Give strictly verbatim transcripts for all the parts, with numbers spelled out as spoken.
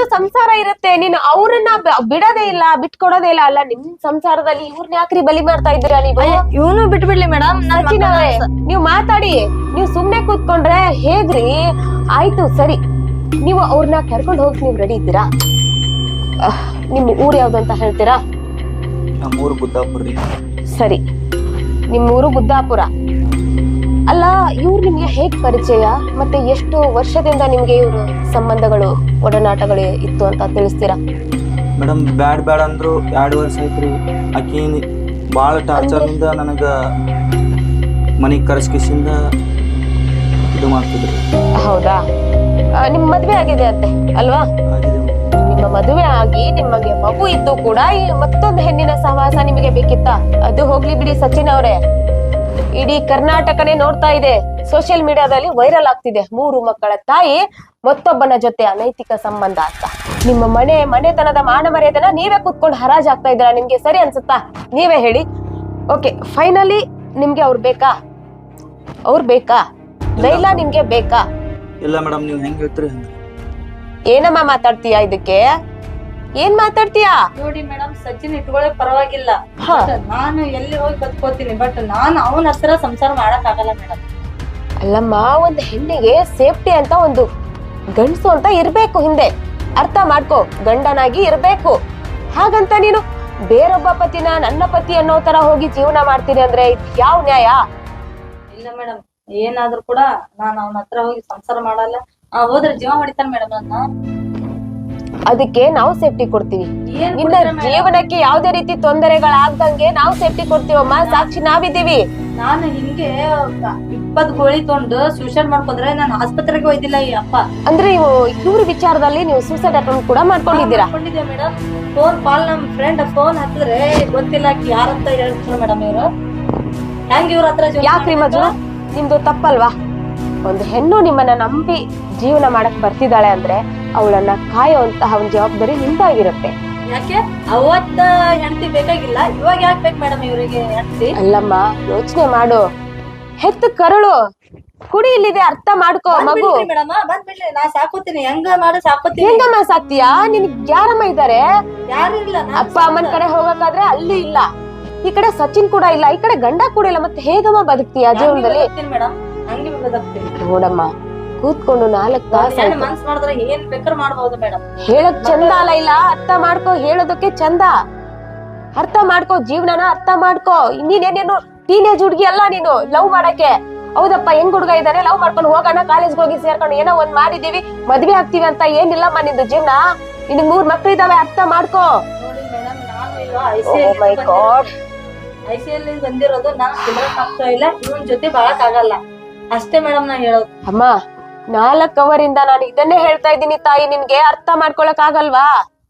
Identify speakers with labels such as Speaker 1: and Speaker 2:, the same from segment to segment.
Speaker 1: ಯಾವತ್ತು ಸಂಸಾರ ಇರುತ್ತೆ. ನೀನು ಅವ್ರನ್ನ ಬಿಡೋದೇ ಇಲ್ಲ, ಬಿಟ್ಕೊಡೋದೇ ಇಲ್ಲ. ಅಲ್ಲ ನಿಮ್ ಸಂಸಾರದಲ್ಲಿ ಇವ್ರನ್ನ ಯಾಕ್ರಿ ಬಲಿ ಮಾಡ್ತಾ ಇದ್ದೀರಾ ನೀವು?
Speaker 2: ಇವನು ಬಿಟ್ಬಿಡ್ಲಿ ಮೇಡಮ್.
Speaker 1: ನೀವ್ ಮಾತಾಡಿ, ನೀವ್ ಸುಮ್ನೆ ಕೂತ್ಕೊಂಡ್ರೆ ಹೇಗ್ರಿ? ಆಯ್ತು ಸರಿ, ನೀವು ಅವ್ರನ್ನ ಕರ್ಕೊಂಡು ಹೋಗಿ ನೀವ್ ರೆಡಿ ಇದ್ದೀರಾ? ನಿಮ್ ಊರ್ ಯಾವ್ದು ಅಂತ ಹೇಳ್ತೀರಾ?
Speaker 3: ನಮ್ಮೂರು ಬುದ್ದಾಪುರ.
Speaker 1: ಸರಿ, ನಿಮ್ ಊರು ಬುದ್ದಾಪುರ. ಅಲ್ಲ, ಇವ್ರು ನಿಮ್ಗೆ ಹೇಗ್ ಪರಿಚಯ ಮತ್ತೆ ಎಷ್ಟು ವರ್ಷದಿಂದ ನಿಮ್ಗೆ ಇವ್ರ ಸಂಬಂಧಗಳು ಒಡನಾಟಗಳು ಇತ್ತು ಅಂತ ತಿಳಿಸ್ತೀರಾ?
Speaker 3: ಮೇಡಮ್ ಬ್ಯಾಡ್ ಬ್ಯಾಡ್ ಅಂದ್ರು ಎರಡು ವರ್ಷ ಐತ್ರಿ. ಆಕಿ ಬಾಳ ಟಾರ್ಚರ್ ಇಂದ ನನಗ ಮನಿಗ್ ಕರ್ಸ್ಕಿಸಿಂದ ಇದು ಮಾಡ್ತಿದ್ರಿ.
Speaker 1: ಹೌದಾ? ನಿಮ್ ಮದ್ವೆ ಆಗಿದೆ ಅಂತೆ ಅಲ್ವಾ? ನಿಮ್ಮ ಮದುವೆ ಆಗಿ ನಿಮಗೆ ಮಗು ಇದ್ದು ಕೂಡ ಈ ಮತ್ತೊಂದು ಹೆಣ್ಣಿನ ಸಹವಾಸ ನಿಮಗೆ ಬೇಕಿತ್ತ? ಅದು ಹೋಗ್ಲಿ ಬಿಡಿ ಸಚಿನ್ ಅವರೇ, ಇಡೀ ಕರ್ನಾಟಕನೇ ನೋಡ್ತಾ ಇದೆ, ಸೋಷಿಯಲ್ ಮೀಡಿಯಾದಲ್ಲಿ ವೈರಲ್ ಆಗ್ತಿದೆ. ಮೂರು ಮಕ್ಕಳ ತಾಯಿ ಮತ್ತೊಬ್ಬನ ಜೊತೆ ಅನೈತಿಕ ಸಂಬಂಧ ಅಂತ. ನಿಮ್ಮ ಮನೆ ಮನೆತನದ ಮಾನ ಮರ್ಯಾದೆನ ನೀವೇ ಕುತ್ಕೊಂಡು ಹರಾಜ್ ಆಗ್ತಾ ಇದ್ದೀರಾ. ನಿಮ್ಗೆ ಸರಿ ಅನ್ಸುತ್ತಾ? ನೀವೇ ಹೇಳಿ. ಓಕೆ, ಫೈನಲಿ ನಿಮ್ಗೆ ಅವ್ರು ಬೇಕಾ? ಅವ್ರು ಬೇಕಾ? ಲೈಲಾ ನಿಮ್ಗೆ ಬೇಕಾ?
Speaker 3: ಇಲ್ಲ ಮೇಡಮ್, ನೀವ್ ಹೆಂಗ್ ಹೇಳ್ತೀರಿ?
Speaker 1: ಏನಮ್ಮ ಮಾತಾಡ್ತೀಯಾ? ಇದಕ್ಕೆ ಏನ್ ಮಾತಾಡ್ತೀಯಾ?
Speaker 2: ನೋಡಿ ಮೇಡಮ್, ಸಚಿನ್ ಇಟ್ಕೊಳ್ಳೆ ಪರವಾಗಿಲ್ಲ, ನಾನು ಎಲ್ಲಿ ಹೋಗಿ ಬದುಕೋತೀನಿ. ಬಟ್ ನಾನು ಅವನ ಹತ್ರ ಸಂಸಾರ ಮಾಡಕ್ ಆಗಲ್ಲ ಮೇಡಮ್.
Speaker 1: ಅಲ್ಲಮ್ಮ, ಒಂದ್ ಹೆಣ್ಣಿಗೆ ಸೇಫ್ಟಿ ಅಂತ ಒಂದು ಗಂಡಸು ಅಂತ ಇರ್ಬೇಕು ಹಿಂದೆ. ಅರ್ಥ ಮಾಡ್ಕೋ, ಗಂಡನಾಗಿ ಇರ್ಬೇಕು. ಹಾಗಂತ ನೀನು ಬೇರೊಬ್ಬ ಪತಿನ ನನ್ನ ಪತಿ ಅನ್ನೋ ತರ ಹೋಗಿ ಜೀವನ ಮಾಡ್ತೀನಿ ಅಂದ್ರೆ ಯಾವ ನ್ಯಾಯ?
Speaker 2: ಇಲ್ಲ ಮೇಡಮ್, ಏನಾದ್ರೂ ಕೂಡ ನಾನು ಅವನ ಹತ್ರ ಹೋಗಿ ಸಂಸಾರ ಮಾಡಲ್ಲ. ಆ ಹೋದ್ರೆ ಜೀವ ಹೊಡಿತಾನೆ ಮೇಡಮ್ ನನ್ನ.
Speaker 1: ಅದಕ್ಕೆ ನಾವು ಸೇಫ್ಟಿ ಕೊಡ್ತೀವಿ. ನಿನ್ನ ಜೀವನಕ್ಕೆ ಯಾವ್ದೇ ರೀತಿ ತೊಂದರೆಗಳಾಗ್ದಂಗೆ ನಾವು ಸೇಫ್ಟಿ ಕೊಡ್ತೀವಮ್ಮ. ಸಾಕ್ಷಿ ನಾವಿದ್ದೀವಿ.
Speaker 2: ನಾನು ಹಿಂಗೆ ಇಪ್ಪತ್ ಗೋಳಿ ತೊಂಡು ಸೂಸೈಡ್ ಮಾಡ್ಕೊಂಡ್ರೆ ನಾನು ಆಸ್ಪತ್ರೆಗೆ ಒಯ್ದಿಲ್ಲ ಈ ಅಪ್ಪ.
Speaker 1: ಅಂದ್ರೆ ನೀವು ಇವ್ರ ವಿಚಾರದಲ್ಲಿ ನೀವು ಸೂಸೈಡ್ ಅಟೆಂಪ್ಟ್ ಕೂಡ ಮಾಡ್ಕೊಂಡಿದ್ದೀರಾ?
Speaker 2: ಮೇಡಮ್, ಫೋನ್ ಕಾಲ್ ನಮ್ ಫ್ರೆಂಡ್ ಫೋನ್ ಹತ್ತಿದ್ರೆ ಗೊತ್ತಿಲ್ಲ ಯಾರಂತ ಹೇಳ್ತಾರೆ ಮೇಡಮ್. ಇವ್ರು ಹೆಂಗ್ ಇವ್ರ ಹತ್ರ
Speaker 1: ಯಾಕ್ರಿ ಮಜು, ನಿಮ್ದು ತಪ್ಪಲ್ವಾ? ಒಂದು ಹೆಣ್ಣು ನಿಮ್ಮನ್ನ ನಂಬಿ ಜೀವನ ಮಾಡಕ್ ಬರ್ತಿದ್ದಾಳೆ ಅಂದ್ರೆ ಅವಳನ್ನ ಕಾಯುವಂತಹ ಒಂದು ಜವಾಬ್ದಾರಿ ನಿಮ್ದಾಗಿರುತ್ತೆ.
Speaker 2: ಯಾಕೆ ಅವತ್ತ ಹೆಂಡತಿ ಬೇಕಾಗಿಲ್ಲ, ಇವಾಗ ಯಾಕೆ ಬೇಕು ಮೇಡಮ್ ಇವ್ರಿಗೆ ಹೆಂಡತಿ?
Speaker 1: ಅಲ್ಲಮ್ಮ, ಯೋಚನೆ ಮಾಡು. ಹೆತ್ತು ಕರಳು ಕುಡಿ ಇಲ್ಲಿದೆ, ಅರ್ಥ ಮಾಡ್ಕೋ. ಮಗು
Speaker 2: ಮೇಡಮ್ ಬಂದ್ಬಿಡ್ಲಿ, ನಾ ಸಾಕೋತೀನಿ. ಹೆಂಗ ಮಾಡ ಸಾಕೋತೀನಿ.
Speaker 1: ಹೆಂಗಮ್ಮ ಸಾಕ್ತೀಯಾ? ನಿನ್ಗ್ ಯಾರಮ್ಮ ಇದ್ದಾರೆ?
Speaker 2: ಯಾರು ಇಲ್ಲ.
Speaker 1: ಅಪ್ಪ ಅಮ್ಮನ ಕಡೆ ಹೋಗಕ್ಕಾದ್ರೆ ಅಲ್ಲಿ ಇಲ್ಲ, ಈ ಕಡೆ ಸಚಿನ್ ಕೂಡ ಇಲ್ಲ, ಈ ಕಡೆ ಗಂಡ ಕೂಡ ಇಲ್ಲ. ಮತ್ತೆ ಹೇಗಮ್ಮ ಬದುಕ್ತೀಯ ಜೀವನದಲ್ಲಿ?
Speaker 2: ಮೇಡಮ್ ಹಂಗೆ ಬದುಕ್ತೀನಿ.
Speaker 1: ನೋಡಮ್ಮ, ಕೂತ್ಕೊಂಡು ನಾಲ್ಕು ತಾಸು
Speaker 2: ಮನ್ಸ್ ಮಾಡಿದ್ರೆ ಏನ್ ಬೇಕಾದ್ರೂ ಮಾಡ್ಬೋದು ಮೇಡಮ್.
Speaker 1: ಹೇಳಕ್ ಚಂದ ಅಲ್ಲ, ಇಲ್ಲ ಅರ್ಥ ಮಾಡ್ಕೋ. ಹೇಳೋದಕ್ಕೆ ಚಂದ, ಅರ್ಥ ಮಾಡ್ಕೋ. ಜೀವನನ ಅರ್ಥ ಮಾಡ್ಕೋ. ನೀನೇನೇನು ಟೀನೇಜ್ ಹುಡ್ಗಿ ಅಲ್ಲ ನೀನು ಲವ್ ಮಾಡಕ್ಕೆ. ಹೌದಪ್ಪ, ಹೆಂಗ್ ಹುಡ್ಗ ಇದಾರೆ, ಲವ್ ಮಾಡ್ಕೊಂಡು ಹೋಗೋಣ, ಕಾಲೇಜ್ಗೆ ಹೋಗಿ ಸೇರ್ಕೊಂಡು ಏನೋ ಒಂದ್ ಮಾಡಿದೀವಿ, ಮದ್ವೆ ಆಗ್ತೀವಿ ಅಂತ ಏನಿಲ್ಲಮ್ಮ ನಿಂದು ಜೀವನ. ನಿನ್ ಮೂರ್ ಮಕ್ಳು ಇದಾವೆ, ಅರ್ಥ ಮಾಡ್ಕೋ.
Speaker 2: ನೋಡಿ ಮೇಡಮ್, ನಾನು
Speaker 1: my god,
Speaker 2: I C L ಬಂದಿರೋದು ನಾನು ಕುದ್ರಕ್ ಆಗ್ತಾ ಇಲ್ಲ, ಇವನ್ ಜೊತೆ ಬಾಳಕ್ ಆಗಲ್ಲ ಅಷ್ಟೇ ಮೇಡಮ್ ನಾ ಹೇಳೋದು.
Speaker 1: ಅಮ್ಮ, ನಾಲ್ಕ್ ಅವರಿಂದ ನಾನು ಇದನ್ನೇ ಹೇಳ್ತಾ ಇದ್ದೀನಿ ತಾಯಿ, ನಿನ್ಗೆ ಅರ್ಥ ಮಾಡ್ಕೊಳಕ್ ಆಗಲ್ವಾ?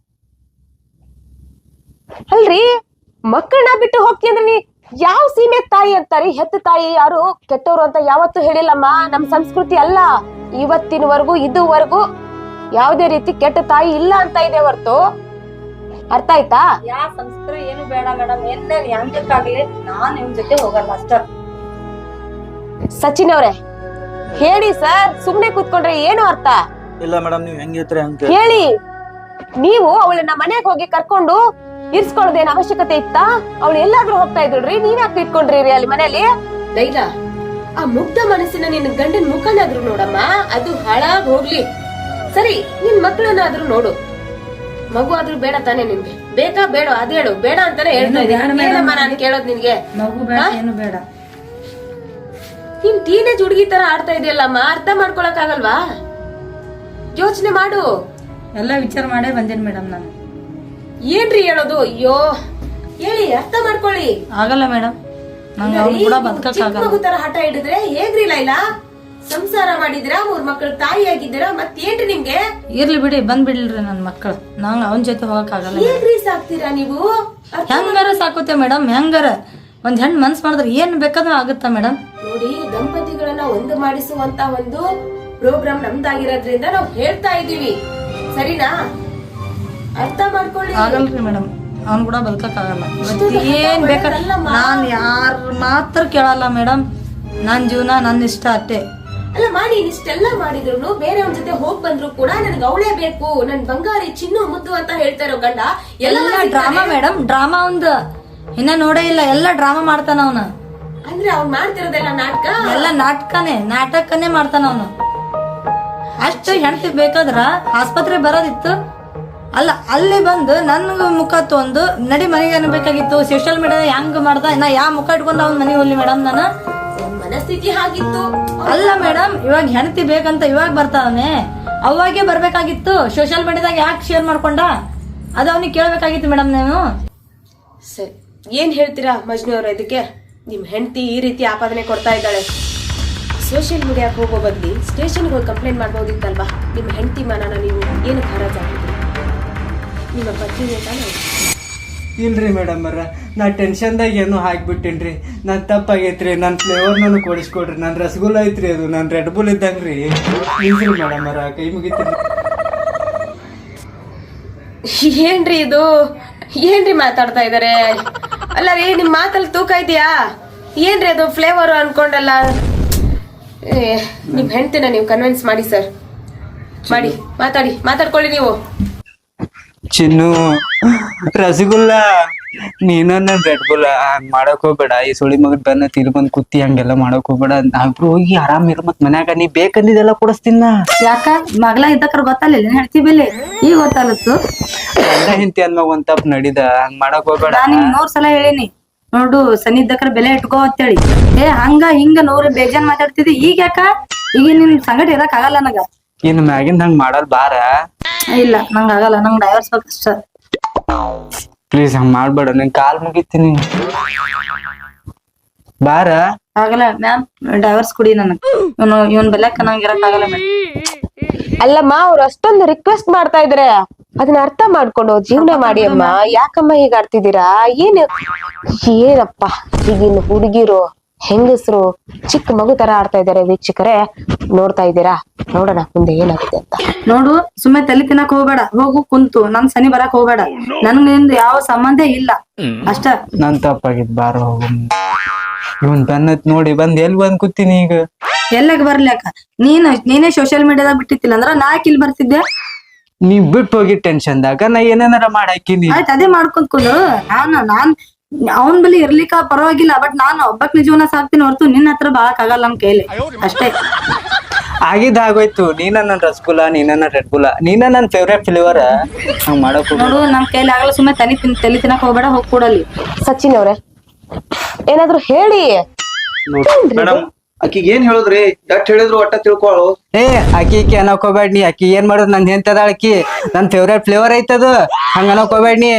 Speaker 1: ಅಲ್ರಿ, ಮಕ್ಕಳನ್ನ ಬಿಟ್ಟು ಹೋಗ್ತಿ ಅಂದ್ರೆ ನೀ ಯಾವ ಸೀಮೆ ತಾಯಿ ಅಂತಾರಿ? ಹೆತ್ತ ತಾಯಿ ಯಾರು ಕೆಟ್ಟವ್ರು ಅಂತ ಯಾವತ್ತೂ ಹೇಳಿಲ್ಲಮ್ಮ. ನಮ್ ಸಂಸ್ಕೃತಿ ಅಲ್ಲ. ಇವತ್ತಿನವರೆಗೂ ಇದುವರೆಗೂ ಯಾವ್ದೇ ರೀತಿ ಕೆಟ್ಟ ತಾಯಿ ಇಲ್ಲ ಅಂತ ಇದೆ ಹೊರ್ತು. ಅರ್ಥ ಆಯ್ತಾ?
Speaker 2: ಯಾವ ಸಂಸ್ಕೃತಿ ಏನು ಬೇಡ ಮೇಡಮ್. ಏನ್ ಹೆಂಗಕ್ಕಾಗ್ಲಿ ನಾನ್ ನಿಮ್ ಜೊತೆ ಹೋಗಲ್ಲ ಅಷ್ಟ.
Speaker 1: ಸಚಿನ್ ಅವ್ರೆ ಹೇಳಿ ಸರ್, ಸುಮ್ನೆ ಕೂತ್ಕೊಂಡ್ರೆ ಏನು ಅರ್ಥ
Speaker 3: ಇಲ್ಲ ಮೇಡಮ್, ನೀವ್ ಹೆಂಗ್ ಹೇಳ್ತೀರಿ ಹಂಗೆ
Speaker 1: ಹೇಳಿ. ನೀವು ಅವಳನ್ನ ಮನೆಗೆ ಹೋಗಿ ಕರ್ಕೊಂಡು ಇರ್ಸ್ಕೊಳ್ಳೋದೇನ್ ಅವಶ್ಯಕತೆ ಇತ್ತಾ? ಅವಳು ಎಲ್ಲಾದ್ರೂ ಹೋಗ್ತಾ ಇದ್ರಿ, ನೀವ್ಯಾಕೆ ಇಟ್ಕೊಂಡ್ರಿ ಅಲ್ಲಿ ಮನೇಲಿ? ಲೈಲಾ, ಆ ಮುಗ್ಧ ಮನಸ್ಸಿನ ನಿನ್ನ ಗಂಡನ ಮುಖನಾದ್ರೂ ನೋಡಮ್ಮ, ಅದು ಹಾಳಾಗ್ ಹೋಗ್ಲಿ. ಸರಿ, ನಿನ್ ಮಕ್ಕಳನ್ನಾದ್ರೂ ನೋಡು. ಮಗು ಆದ್ರೂ ಬೇಡ ತಾನೇ ನಿನ್ಗೆ? ಬೇಕಾ ಬೇಡ ಅದ್ ಹೇಳು. ಬೇಡ ಅಂತಾನೆ ಹೇಳ್ತಾ ಇದ್ದೀನಿ. ಏನಮ್ಮ ನಾನು ಕೇಳೋದ್ ನಿನ್ಗೆ?
Speaker 2: ಮಗು ಬೇಡ, ಏನು ಬೇಡ.
Speaker 1: ನಿನ್ ಟೀನೇಜ್ ಹುಡುಗಿ ತರ ಆಡ್ತಾ ಇದೆಯಲ್ಲಮ್ಮ, ಅರ್ಥ ಮಾಡ್ಕೊಳಕ್ ಆಗಲ್ವಾ? ಯೋಚನೆ ಮಾಡು.
Speaker 2: ಎಲ್ಲ ವಿಚಾರ ಮಾಡೇ ಬಂದೇನ್ ಮೇಡಮ್ ನಾನು.
Speaker 1: ಏನ್ರಿ ಹೇಳೋದು? ಅಯ್ಯೋ ಹೇಳಿ, ಅರ್ಥ ಮಾಡ್ಕೊಳ್ಳಿ.
Speaker 2: ಆಗಲ್ಲ ಮೇಡಮ್,
Speaker 1: ಮಗು ತರ ಹಠ ಹಿಡಿದ್ರೆ ಹೇಗ್ರಿ ಲೈಲಾ? ಸಂಸಾರ ಮಾಡಿದಿರಾ, ಮೂರ್ ಮಕ್ಳು ತಾಯಿ ಆಗಿದ್ದೀರಾ, ಮತ್ತೇನ್ರಿ ನಿಮ್ಗೆ?
Speaker 2: ಇರ್ಲಿ ಬಿಡಿ, ಬಂದ್ಬಿಡ್ಲ್ರಿ ನನ್ ಮಕ್ಕಳು. ನಂಗ್ ಅವನ್ ಜೊತೆ ಹೋಗಕ್ ಆಗಲ್ಲ.
Speaker 1: ಹೇಗ್ರಿ ಸಾಕ್ತೀರಾ ನೀವು?
Speaker 2: ಹೆಂಗಾರ ಸಾಕುತ್ತೆ ಮೇಡಮ್, ಹೆಂಗಾರ ಒಂದ್ ಹೆಣ್ ಮನ್ಸ್ ಮಾಡಿದ್ರೆ ಏನ್ ಬೇಕಾದ್ರೂ ಆಗುತ್ತಾ ಮೇಡಮ್?
Speaker 1: ನೋಡಿ, ದಂಪತಿಗಳನ್ನ ಒಂದು ಮಾಡಿಸುವಂತ ಒಂದು ಪ್ರೋಗ್ರಾಮ್ ನಮ್ದಾಗಿರೋದ್ರಿಂದ ನಾವು ಹೇಳ್ತಾ ಇದೀವಿ, ಸರಿನಾ? ಅರ್ಥ ಮಾಡ್ಕೊಳ್ಳಿ.
Speaker 2: ಆಗಲ್ರಿ ಮೇಡಮ್, ಅವ್ನ್ ಕೂಡ ಬದುಕಕ್ ಆಗಲ್ಲ. ಏನ್ ಬೇಕಾದ್ರೆ ನಾನ್ ಯಾರ ಮಾತ್ರ ಕೇಳಲ್ಲ ಮೇಡಮ್. ನನ್ ಜೀವನ ನನ್ ಇಷ್ಟ ಅಷ್ಟೇ.
Speaker 1: ಅಲ್ಲ ಮಾಡಿ ಇಷ್ಟೆಲ್ಲ ಮಾಡಿದ್ರು ಬೇರೆಯವ್ರ ಜೊತೆ ಹೋಗ್ ಬಂದ್ರು ಕೂಡ ನನ್ಗೆ ಅವಳೇ ಬೇಕು, ನನ್ ಬಂಗಾರಿ ಚಿನ್ನು ಮುದ್ದು ಅಂತ ಹೇಳ್ತಾ ಇರೋ ಗಂಡ
Speaker 2: ಎಲ್ಲ ಡ್ರಾಮಾ ಮೇಡಮ್, ಡ್ರಾಮಾ ಒಂದು ಇನ್ನ ನೋಡೇ ಇಲ್ಲ, ಎಲ್ಲ ಡ್ರಾಮಾ ಮಾಡ್ತಾನ ಅವನು.
Speaker 1: ಅಂದ್ರೆ ಅವ್ನ್ ಮಾಡ್ತಿರೋದೆಲ್ಲ ನಾಟಕ,
Speaker 2: ಎಲ್ಲ ನಾಟಕನೇ ನಾಟಕನೇ ಮಾಡ್ತಾನ ಅವನು. ಅಷ್ಟು ಹೆಂಡತಿ ಬೇಕಾದ್ರ ಆಸ್ಪತ್ರೆ ಬರೋದಿತ್ತು ಅಲ್ಲ, ಅಲ್ಲಿ ಬಂದು ನನ್ಗ ಮುಖ ತೊಂದು ನಡಿ ಮನೆಗೆ ಅನ್ಬೇಕಾಗಿತ್ತು. ಸೋಶಿಯಲ್ ಮೀಡಿಯಾ ಹೆಂಗ್ ಮಾಡ್ದ, ನಾ ಯಾವ ಮುಖ ಇಟ್ಕೊಂಡು ಅವ್ನ ಮನೆಗೆ ಹೋಗ್ಲಿ ಮೇಡಮ್ ನಾನು?
Speaker 1: ಮನಸ್ಥಿತಿ ಹಾಗಿತ್ತು.
Speaker 2: ಅಲ್ಲ ಮೇಡಮ್, ಇವಾಗ ಹೆಂಡತಿ ಬೇಕಂತ ಇವಾಗ ಬರ್ತಾವನೆ, ಅವಾಗೆ ಬರ್ಬೇಕಾಗಿತ್ತು. ಸೋಶಿಯಲ್ ಮೀಡಿಯಾದಾಗ ಯಾಕೆ ಶೇರ್ ಮಾಡ್ಕೊಂಡ ಅದು ಅವನಿಗೆ ಕೇಳ್ಬೇಕಾಗಿತ್ತು ಮೇಡಮ್ ನೀವು.
Speaker 1: ಸರಿ, ಏನ್ ಹೇಳ್ತೀರಾ ಮಜ್ನು ಅವ್ರ ಇದಕ್ಕೆ? ನಿಮ್ ಹೆಂಡತಿ ಈ ರೀತಿ ಆಪಾದನೆ ಕೊಡ್ತಾ ಇದ್ದಾಳೆ. ಸೋಷಿಯಲ್ ಮೀಡಿಯಾಕ್ಕೆ ಹೋಗೋ ಬದ್ಲಿ ಸ್ಟೇಷನ್ಗೆ ಹೋಗಿ ಕಂಪ್ಲೇಂಟ್ ಮಾಡ್ಬೋದಿತ್ತಲ್ವಾ? ನಿಮ್ಮ ಹೆಂಡತಿ ಮನನ ನೀವು ಏನು ಖರಾಜ್ ಆಗಿದ್ರಿ? ನಿಮ್ಮ ಪತ್ನಿನೇ ತಾನೇ?
Speaker 3: ಇಲ್ರಿ ಮೇಡಮ್ ಅವ್ರ, ನಾ ಟೆನ್ಷನ್ದಾಗ ಏನೋ ಹಾಕ್ಬಿಟ್ಟೇನ್ರಿ. ನಾನು ತಪ್ಪಾಗೈತ್ರಿ. ನನ್ನ ಫ್ಲೇವರ್ ನಾನು ಕೊಡಿಸ್ಕೊಡ್ರಿ. ನನ್ನ ರಸಗುಲ್ಲ ಐತ್ರಿ, ಅದು ನನ್ನ ರೆಡ್ ಬುಲ್ ಇದ್ದಂಗ್ರಿ. ಇಲ್ರಿ ಮೇಡಮ್ ಅವ್ರ, ಕೈ ಮುಗಿತೀರಿ.
Speaker 1: ಏನ್ರಿ ಇದು? ಏನ್ರಿ ಮಾತಾಡ್ತಾ ಇದಾರೆ? ಅಲ್ಲ ರೀ, ನಿಮ್ ಮಾತಲ್ಲಿ ತೂಕ ಇದೆಯಾ? ಏನ್ರಿ ಅದು ಫ್ಲೇವರ್ ಅನ್ಕೊಂಡಲ್ಲ. ನಿಮ್ ಹೆಂಡ್ತಿನ ನೀವು ಕನ್ವಿನ್ಸ್ ಮಾಡಿ ಸರ್, ಮಾಡಿ, ಮಾತಾಡಿ, ಮಾತಾಡ್ಕೊಳ್ಳಿ ನೀವು.
Speaker 3: ಚಿನ್ನು, ರಸಗುಲ್ಲ ನೀನ ನನ್ ರೆಡ್ ಬುಲ್ ಮಾಡಕ್ ಹೋಗ್ಬೇಡ. ಈ ಸುಳಿ ಮಗನ್ ಬೆನ್ನ ತಿಲ್ ಬಂದ್ ಕುತ್ತಿ ಹಂಗೆಲ್ಲ ಮಾಡಕ್ ಹೋಗ್ಬೇಡ. ನಾವಿಬ್ರು ಹೋಗಿ ಆರಾಮ್ ಇರ. ಮತ್ ಮನ್ಯಾಗ ನೀ ಬೇಕಂದಿದ್ದೆಲ್ಲ ಕೊಡಿಸ್ತೀನ.
Speaker 2: ಯಾಕ ಮಗಳ ಇದ್ದಕ್ರ ಗೊತ್ತಲ್ಲ ಹೇಳ್ತಿ ಬೆಲೆ ಈಗ ಗೊತ್ತಾಲತ್ತು.
Speaker 3: ಗಂಡ ಹಿಂತಿ ಅನ್ಮಾಗ ಒಂದ್ ತಪ್ಪ ನಡಿದ, ಹಂಗ್ ಮಾಡಕ್ ಹೋಗ್ಬೇಡ.
Speaker 2: ನಾನ್ ನಿಮ್ ನೂರ್ ಸಲ ಹೇಳಿನಿ ನೋಡು, ಸನಿ ಇದ್ದಕ್ರ ಬೆಲೆ ಇಟ್ಕೋ ಅಂತೇಳಿ. ಏ ಹಂಗ ಹಿಂಗ ನೂರ್ ಬೇಜಾನ್ ಮಾತಾಡ್ತಿದ್ದಿ. ಈಗ ಯಾಕ ಈಗ ನಿನ್ ಸಂಗಟ ಇರಕ್ ಆಗಲ್ಲ ನನಗ.
Speaker 3: ಇನ್ ಮ್ಯಾಗಿಂದ ಹಂಗ್ ಮಾಡಲ್ ಬಾರ.
Speaker 2: ಇಲ್ಲ ನಂಗ ಆಗಲ್ಲ, ನಂಗ್ ಡೈವರ್ಸ್ ಬೇಕಷ್ಟ.
Speaker 3: ಪ್ಲೀಸ್ ಹಂಗ್ ಮಾಡ್ಬೇಡ, ನಿನ್ ಕಾಲ್ ಮುಗಿತೀನಿ ಬಾರ.
Speaker 2: ಆಗಲ್ಲ ಮ್ಯಾಮ್, ಡೈವರ್ಸ್ ಕುಡಿ ನನಗ್. ಇವನು ಇವನ್ ಬೆಲೆಕ್ಕ ನಂಗೆ ಇರಕ್ ಆಗಲ್ಲ ಮ್ಯಾಮ್.
Speaker 1: ಅಲ್ಲಮ್ಮ, ಅವ್ರು ಅಷ್ಟೊಂದು ರಿಕ್ವೆಸ್ಟ್ ಮಾಡ್ತಾ ಇದಾರೆ, ಅದನ್ನ ಅರ್ಥ ಮಾಡ್ಕೊಂಡು ಜೀವನ ಮಾಡಿ ಅಮ್ಮ. ಯಾಕಮ್ಮ ಹೀಗ ಆಡ್ತಿದ್ದೀರಾ? ಏನ್ ಏನಪ್ಪ ಈಗಿನ ಹುಡುಗಿರು ಹೆಂಗಸರು ಚಿಕ್ಕ ಮಗು ತರ ಆಡ್ತಾ ಇದಾರೆ. ವೀಕ್ಷಕರೇ ನೋಡ್ತಾ ಇದ್ದೀರಾ? ನೋಡೋಣ ಮುಂದೆ ಏನಾಗುತ್ತೆ ಅಂತ.
Speaker 2: ನೋಡು, ಸುಮ್ಮನೆ ತಲೆ ತಿನ್ನಕ್ ಹೋಗ್ಬೇಡ. ಹೋಗು ಕುಂತು ನನ್ ಸನಿ ಬರಕ್ ಹೋಗ್ಬೇಡ. ನನ್ಗಿಂದ ಯಾವ ಸಂಬಂಧ ಇಲ್ಲ ಅಷ್ಟ.
Speaker 3: ನನ್ ತಪ್ಪಾಗಿದ್ ಬಾರ ಹೋಗು. ಇವನ್ ಬೆನ್ನತ್ ನೋಡಿ ಬಂದ್ ಎಲ್ ಬಂದ್ ಕೂತೀನಿ ಈಗ.
Speaker 2: ಎಲ್ಲಾಗ ಬರ್ಲಿಕ್ಕ ನೀನ್ ನೀನೇ ಸೋಶಿಯಲ್ ಮೀಡಿಯಾದಾಗ ಬಿಟ್ಟಿತ್ತಿಲ್ಲ ಅಂದ್ರ ನಾ ಇಲ್ಲಿ ಬರ್ತಿದ್ದೆ.
Speaker 3: ನೀ ಬಿಟ್ಟು ಹೋಗಿ ಟೆನ್ಷನ್ದಾಗ ನಾ ಏನೇನಾರ ಮಾಡಾಕಿನಿ.
Speaker 2: ಆಯ್ತು, ಅದೇ ಮಾಡ್ಕೊಂಡ್ಕೊಂಡು ನಾನು ನಾನ್ ಅವನ್ ಬಳಿ ಇರ್ಲಿಕ್ಕ ಪರವಾಗಿಲ್ಲ. ಬಟ್ ನಾನು ಒಬ್ಬಕ್ ಜೀವನ ಸಾಕ್ತೀನಿ ಹೊರತು ನಿನ್ನ ಹತ್ರ ಬಾಳಕ್ ಆಗಲ್ಲ ನಮ್ ಕೈಲಿ ಅಷ್ಟೇ.
Speaker 3: ಆಗಿದ್ ಆಗೋಯ್ತು. ನೀನ ನನ್ ರಸಗುಲ್ಲ, ನೀನ ನನ್ ರೆಡ್ ಬುಲ್ಲ, ನೀನ ನನ್ ಫೇವ್ರೇಟ್ ಫ್ಲೇವರ್. ಹಂಗ್ ಮಾಡಕ್
Speaker 2: ನೋಡು, ನಮ್ ಕೈಲಿ ಆಗಲ್ಲ. ಸುಮ್ಮನೆ ತನಿ ತಿನ್ ತಲೆ ತಿನ್ನಕ್ ಹೋಗ್ಬೇಡ, ಹೋಗ್ ಕೂಡಲಿ.
Speaker 1: ಸಚಿನ್ ಅವ್ರೆ ಏನಾದ್ರು ಹೇಳಿ.
Speaker 3: ಮೇಡಮ್
Speaker 4: ಆಕಿಗೆ ಏನ್ ಹೇಳುದ್ರಿ? ಎಷ್ಟ್ ಹೇಳಿದ್ರು ಒಟ್ಟ ತಿಳ್ಕೊಳು.
Speaker 3: ಏ ಅಕ್ಕಿ ಇಕ್ಕಿ ಅನ್ನಕ್ ಹೋಗ್ಬೇಡ ನೀ. ಅಕ್ಕಿ ಏನ್ ಮಾಡುದ್ ನನ್ ಹೆಂತದ ಅಕ್ಕಿ ನನ್ ಫೇವ್ರೇಟ್ ಫ್ಲೇವರ್ ಐತದ. ಹಂಗ ಅನ್ನಕ್ ಹೋಗ್ಬೇಡ ನೀ.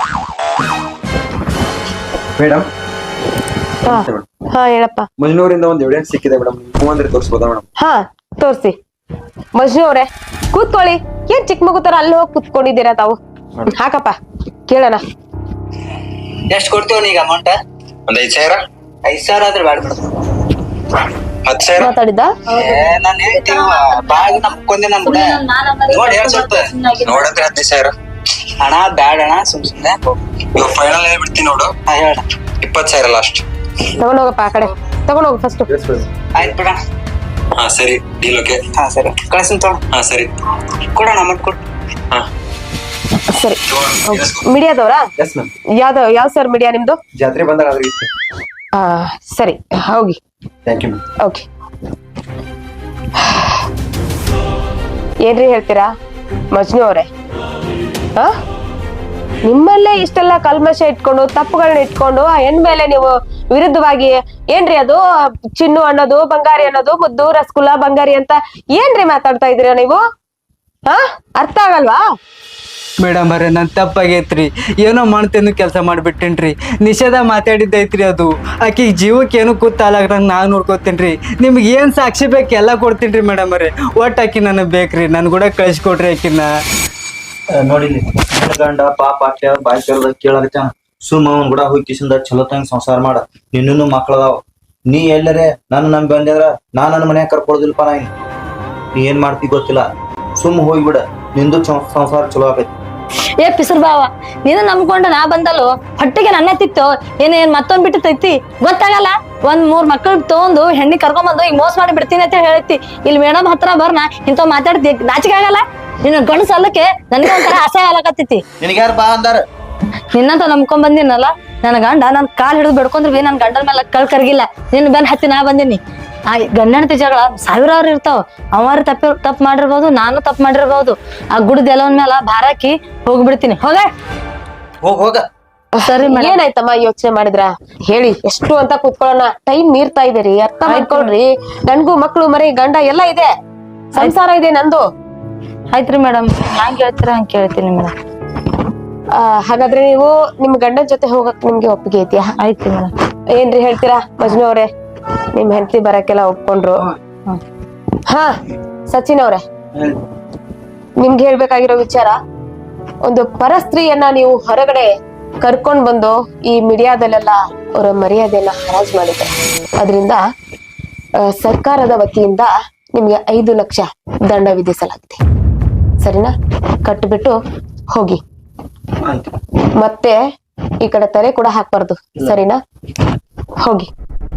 Speaker 4: ಮೇಡಮ್
Speaker 1: ಹಾ ಹಾ ಹೇಳಪ್ಪ.
Speaker 4: ಮಂಜನೂರಿಂದ ಒಂದ್ ಎವಿಡೆನ್ಸ್ ಸಿಕ್ಕಿದೆ ಮೇಡಮ್, ಹ್ಞೂ ಅಂದ್ರೆ ತೋರಿಸ್ಬೋದಾ ಮೇಡಮ್?
Speaker 1: ಹಾ ತೋರ್ಸಿ. ಮಜ್ನು ಅವ್ರೆ ಕೂತ್ಕೊಳ್ಳಿ. ಏನ್ ಚಿಕ್ಕ ಮಗು ತರ ಅಲ್ಲಿ ಹೋಗಿ ಕೂತ್ಕೊಂಡಿದ್ದೀರಾ ತಾವು? ಹಾಕಪ್ಪ ಕೇಳೋಣ.
Speaker 3: ಎಷ್ಟ್ ಕೊಡ್ತೀವ ಈಗ ಅಮೌಂಟ್?
Speaker 4: ಒಂದ್ ಐದ್ ಸಾವಿರ.
Speaker 3: ಐದ್ ಸಾವಿರ ಆದ್ರೆ ಬ್ಯಾಡ ಬಿಡು.
Speaker 4: ಹತ್ ಸಾವಿರ
Speaker 1: ಮಾತಾಡಿದ್ದ
Speaker 3: ನಾನ್ ಹೇಳ್ತೀವ ಬಾಳ ನಮ್ಕೊಂದೆ ನಮ್
Speaker 4: ನೋಡಿ ಹೇಳ್ ಸ್ವಲ್ಪ ನೋಡಂದ್ರೆ ಹದಿನೈದು ಸಾವಿರ.
Speaker 3: ಹಣ ಬ್ಯಾಡ ಅಣ್ಣ, ಸುಮ್ ಸುಮ್ನೆ
Speaker 4: ಇವಾಗ ಫೈನಲ್ ಹೇಳ್ಬಿಡ್ತೀನಿ ನೋಡು.
Speaker 3: ಹೇಳ.
Speaker 4: ಇಪ್ಪತ್ ಸಾವಿರ ಲಾಸ್ಟ್.
Speaker 1: ತಗೊಂಡೋಗಪ್ಪ ಆ ಕಡೆ, ತಗೊಂಡೋಗು ಫಸ್ಟ್.
Speaker 3: ಆಯ್ತು ಬಿಡ.
Speaker 4: ಹಾ ಸರಿ, ಡೀಲ್ ಓಕೆ.
Speaker 3: ಹಾ ಸರಿ, ಕಳ್ಸಿನ್ ತಗೋ.
Speaker 4: ಹಾ ಸರಿ,
Speaker 3: ಕೊಡೋಣ ಅಮೌಂಟ್ ಕೊಡು.
Speaker 4: ಹಾ
Speaker 1: ಸರಿ. ಮೀಡಿಯಾದವ್ರಾ?
Speaker 4: Yes ma'am.
Speaker 1: ಯಾವ್ದು ಯಾವ ಸರ್ ಮೀಡಿಯಾ ನಿಮ್ದು?
Speaker 4: ಜಾತ್ರೆ ಬಂದಾಗ ಅದ್ರ ಇತ್ತು.
Speaker 1: ಆ ಸರಿ ಹೋಗಿ.
Speaker 4: Thank you ma'am.
Speaker 1: ಓಕೆ. ಏನ್ರಿ ಹೇಳ್ತೀರಾ ಮಜ್ನು ಅವ್ರೆ? ಹ ನಿಮ್ಮಲ್ಲೇ ಇಷ್ಟೆಲ್ಲ ಕಲ್ಮಶ ಇಟ್ಕೊಂಡು ತಪ್ಪುಗಳನ್ನ ಇಟ್ಕೊಂಡು ಆ ಹೆಣ್ ಮೇಲೆ ನೀವು ವಿರುದ್ಧವಾಗಿ ಏನ್ರಿ ಅದು ಚಿನ್ನು ಅನ್ನೋದು, ಬಂಗಾರಿ ಅನ್ನೋದು, ಮುದ್ದು ರಸಗುಲ್ಲ ಬಂಗಾರಿ ಅಂತ ಏನ್ರಿ ಮಾತಾಡ್ತಾ ಇದೀರಾ ನೀವು? ಹ ಅರ್ಥ ಆಗಲ್ವಾ?
Speaker 3: ಮೇಡಮ್ ಅರೆ ನನ್ ತಪ್ಪಾಗೈತ್ರಿ. ಏನೋ ಮಾಡ್ತೇನು ಕೆಲಸ ಮಾಡ್ಬಿಟ್ಟೇನ್ರಿ. ನಿಷೇಧ ಮಾತಾಡಿದ್ದೈತ್ರಿ ಅದು. ಆಕಿ ಜೀವಕ್ಕೆ ಏನು ಕೂತಾಲಾಗ್ದಂಗ ನಾನ್ ನೋಡ್ಕೋತೇನ್ರಿ. ನಿಮ್ಗೆ ಏನ್ ಸಾಕ್ಷಿ ಬೇಕು ಎಲ್ಲ ಕೊಡ್ತೀನ್ರಿ ಮೇಡಮ್ ಅರೆ. ಒಟ್ಟು ಆಕಿ ನನಗ್ ಬೇಕ್ರಿ. ನನ್ ಕೂಡ ಕಳ್ಸಿಕೊಡ್ರಿ ಆಕಿನ.
Speaker 4: ನೋಡಿಲಿ ಗಂಡ ಪಾಪ ಅಟ್ಟ ಬಾಯ್ ಕೇಳ್ದ ಕೇಳಾಗತ್ತ. ಸುಮ್ಮ ಅವ್ನ್ ಕೂಡ ಹೋಗಿ ಕಿಸಿಂದ ಚಲೋ ತಂಗ ಸಂಸಾರ ಮಾಡ. ಇನ್ನೂ ಮಕ್ಳದಾವ. ನೀ ಎಲ್ಲರೇ ನನ್ ನಮ್ ಬಂದ್ರ ನಾ ನನ್ನ ಮನ್ಯಾಗ ಕರ್ಕೊಳದಿಲ್ಪ. ನಾ ನೀ ಏನ್ ಮಾಡ್ತಿ ಗೊತ್ತಿಲ್ಲ. ಸುಮ್ ಹೋಗ್ಬಿಡ, ನಿಂದು ಸಂಸಾರ ಚಲೋ ಆಗೈತಿ.
Speaker 2: ಏ ಪಿಸರ್ ಬಾವ ನೀನು ನಂಬ್ಕೊಂಡು ನಾ ಬಂದಲ್ಲೋ ಹೊಟ್ಟಿಗೆ ನನ್ನ ತಿತ್ತು ಏನೇನ್ ಮತ್ತೊಂದ್ ಬಿಟ್ಟು ತೈತಿ ಗೊತ್ತಾಗಲ್ಲ ಒಂದ್ ಮೂರ್ ಮಕ್ಕಳು ತಗೊಂಡು ಹೆಣ್ಣಿ ಕರ್ಕೊಂಬಂದು ಈಗ ಮೋಸ ಮಾಡಿ ಬಿಡ್ತೀನಿ ಅಂತ ಹೇಳೈತಿ ಇಲ್ಲಿ ಮೇಡಮ್ ಹತ್ರ ಬರ್ನ ಇಂತ ಮಾತಾಡ್ತಿ ನಾಚಿಕೆ ಆಗಲ್ಲ ನಿನ್ನ ಗಂಡು ಸಲ್ಲಕ್ಕೆ ನನಗೆ ಒಂಥರ ಆಸೆ ಆಗಲಕತ್ತೈತಿ
Speaker 4: ನಿನಗೆ ಯಾರು ಬಾ ಅಂದಾರ
Speaker 2: ನಿನ್ನಂತ ನಂಬ್ಕೊಂಡ್ ಬಂದಿನಲ್ಲ ನನ್ನ ಗಂಡ ನನ್ ಕಾಲ್ ಹಿಡಿದು ಬಿಡ್ಕೊಂಡ್ರಿ ಬಿ ನನ್ ಗಂಡನ ಮೇಲೆ ಕಳ್ ಕರ್ಗಿಲ್ಲ ನಿನ್ ಬೆನ್ ಹತ್ತಿ ನಾ ಬಂದಿನಿ ಆ ಗಂಡನತಿ ಜಗಳ ಸಾವಿರಾರು ಇರ್ತಾವ ಅವಾರು ತಪ್ಪಿ ತಪ್ಪು ಮಾಡಿರ್ಬೋದು ನಾನು ತಪ್ಪು ಮಾಡಿರ್ಬೋದು ಆ ಗುಡ್ದ ಎಲ್ಲವನ್ ಮೇಲೆ ಭಾರಾಕಿ ಹೋಗ್ಬಿಡ್ತೀನಿ ಹೋಗ
Speaker 4: ಹೋಗ್ ಹೋಗ
Speaker 2: ಸರಿ ಮೇಡಮ್
Speaker 1: ಏನಾಯ್ತಮ್ಮ ಯೋಚನೆ ಮಾಡಿದ್ರ ಹೇಳಿ ಎಷ್ಟು ಅಂತ ಕೂತ್ಕೊಳ್ಳೋಣ ಟೈಮ್ ಮೀರ್ತಾ ಇದೀರಿ ಅರ್ಥ ಮಾಡ್ಕೊಳ್ರಿ ನನ್ಗೂ ಮಕ್ಳು ಮರಿ ಗಂಡ ಎಲ್ಲ ಇದೆ ಸಂಸಾರ ಇದೆ ನಂದು
Speaker 2: ಆಯ್ತ್ರಿ ಮೇಡಮ್ ಹ್ಯಾಂಗ್ ಹೇಳ್ತೀರ ಹಂಗ್ ಕೇಳ್ತೀನಿ ಮೇಡಮ್
Speaker 1: ಆ, ಹಾಗಾದ್ರೆ ನೀವು ನಿಮ್ ಗಂಡನ ಜೊತೆ ಹೋಗಕ್ ನಿಮ್ಗೆ ಒಪ್ಪಿಗೆ ಐತಿಯಾ
Speaker 2: ಆಯ್ತು ಮೇಡಮ್
Speaker 1: ಏನ್ರಿ ಹೇಳ್ತೀರಾ ಮಜ್ನು ಅವ್ರೆ ನಿಮ್ ಹೆಂಡತಿ ಬರಕ್ಕೆಲ್ಲ ಒಪ್ಕೊಂಡ್ರು ಹಾ ಸಚಿನ್ ಅವ್ರೆ ನಿಮ್ಗೆ ಹೇಳ್ಬೇಕಾಗಿರೋ ವಿಚಾರ ಒಂದು ಪರಸ್ತ್ರೀಯನ್ನ ನೀವು ಹೊರಗಡೆ ಕರ್ಕೊಂಡ್ ಬಂದು ಈ ಮೀಡಿಯಾದಲ್ಲೆಲ್ಲ ಅವರ ಮರ್ಯಾದೆಯನ್ನ ಹರಾಜ್ ಮಾಡಿದ್ದಾರೆ ಅದರಿಂದ ಸರ್ಕಾರದ ವತಿಯಿಂದ ನಿಮ್ಗೆ ಐದು ಲಕ್ಷ ದಂಡ ವಿಧಿಸಲಾಗಿದೆ ಸರಿನಾ ಕಟ್ಬಿಟ್ಟು ಹೋಗಿ ಮತ್ತೆ ಈ ಕಡೆ ತಲೆ ಕೂಡ ಹಾಕ್ಬಾರ್ದು ಸರಿನಾ ಹೋಗಿ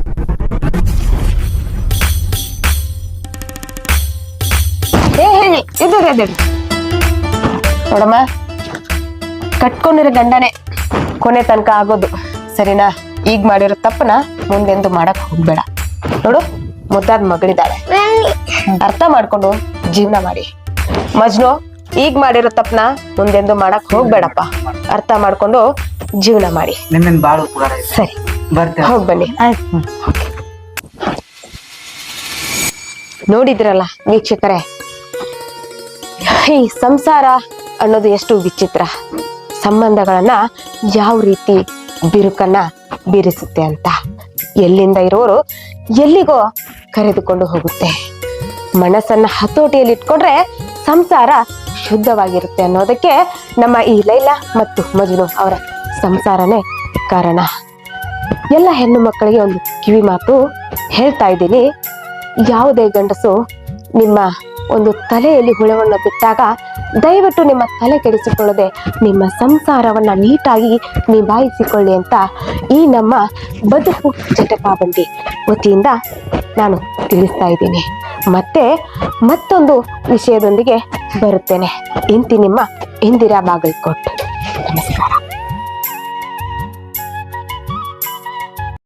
Speaker 1: ಏ ಹೇಳಿ ಇದ್ದೀರಿ ಇದ್ದೀರಿ ನೋಡಮ್ಮ ಕಟ್ಕೊಂಡಿರೋ ಗಂಡನೇ ಕೊನೆ ತನಕ ಆಗೋದು ಸರಿನಾ ಈಗ ಮಾಡಿರೋ ತಪ್ಪನ ಮುಂದೆಂದು ಮಾಡಕ್ ಹೋಗ್ಬೇಡ ನೋಡು ಮುದ್ದಾದ ಮಗಳಿದ್ದಾಳೆ ಅರ್ಥ ಮಾಡ್ಕೊಂಡು ಜೀವನ ಮಾಡಿ ಮಜ್ನು ಈಗ ಮಾಡಿರೋ ತಪ್ಪನ ಮುಂದೆಂದು ಮಾಡಕ್ ಹೋಗ್ಬೇಡಪ್ಪ ಅರ್ಥ ಮಾಡ್ಕೊಂಡು ಜೀವನ ಮಾಡಿ
Speaker 3: ನಿಮ್ಮಿಂದ ಬಾಳ ಉಪಕಾರ ಆಯ್ತು.
Speaker 1: ಸರಿ
Speaker 3: ಬರ್ತೇವೆ
Speaker 1: ಹೋಗ್ ಬನ್ನಿ
Speaker 2: ಆಯ್ತು
Speaker 1: ನೋಡಿದ್ರಲ್ಲ ವೀಕ್ಷಕರೇ ಈ ಸಂಸಾರ ಅನ್ನೋದು ಎಷ್ಟು ವಿಚಿತ್ರ ಸಂಬಂಧಗಳನ್ನ ಯಾವ ರೀತಿ ಬಿರುಕನ್ನ ಬೀರಿಸುತ್ತೆ ಅಂತ ಎಲ್ಲಿಂದ ಇರೋರು ಎಲ್ಲಿಗೋ ಕರೆದುಕೊಂಡು ಹೋಗುತ್ತೆ ಮನಸ್ಸನ್ನ ಹತೋಟಿಯಲ್ಲಿ ಇಟ್ಕೊಂಡ್ರೆ ಸಂಸಾರ ಶುದ್ಧವಾಗಿರುತ್ತೆ ಅನ್ನೋದಕ್ಕೆ ನಮ್ಮ ಈ ಲೈಲಾ ಮತ್ತು ಮಜ್ನು ಅವರ ಸಂಸಾರನೇ ಕಾರಣ ಎಲ್ಲ ಹೆಣ್ಣು ಮಕ್ಕಳಿಗೆ ಒಂದು ಕಿವಿ ಮಾತು ಹೇಳ್ತಾ ಇದ್ದೀನಿ ಯಾವುದೇ ಗಂಡಸು ನಿಮ್ಮ ಒಂದು ತಲೆಯಲ್ಲಿ ಹುಳವನ್ನು ಬಿಟ್ಟಾಗ ದಯವಿಟ್ಟು ನಿಮ್ಮ ತಲೆ ಕೆಡಿಸಿಕೊಳ್ಳದೆ ನಿಮ್ಮ ಸಂಸಾರವನ್ನ ನೀಟಾಗಿ ನಿಭಾಯಿಸಿಕೊಳ್ಳಿ ಅಂತ ಈ ನಮ್ಮ ಬದುಕು ಚಟಕಾಬಂದಿ ವತಿಯಿಂದ ನಾನು ತಿಳಿಸ್ತಾ ಇದ್ದೀನಿ ಮತ್ತೆ ಮತ್ತೊಂದು ವಿಷಯದೊಂದಿಗೆ ಬರುತ್ತೇನೆ ಇಂತಿ ನಿಮ್ಮ ಇಂದಿರಾ ಬಾಗಲಕೋಟ್ ನಮಸ್ಕಾರ.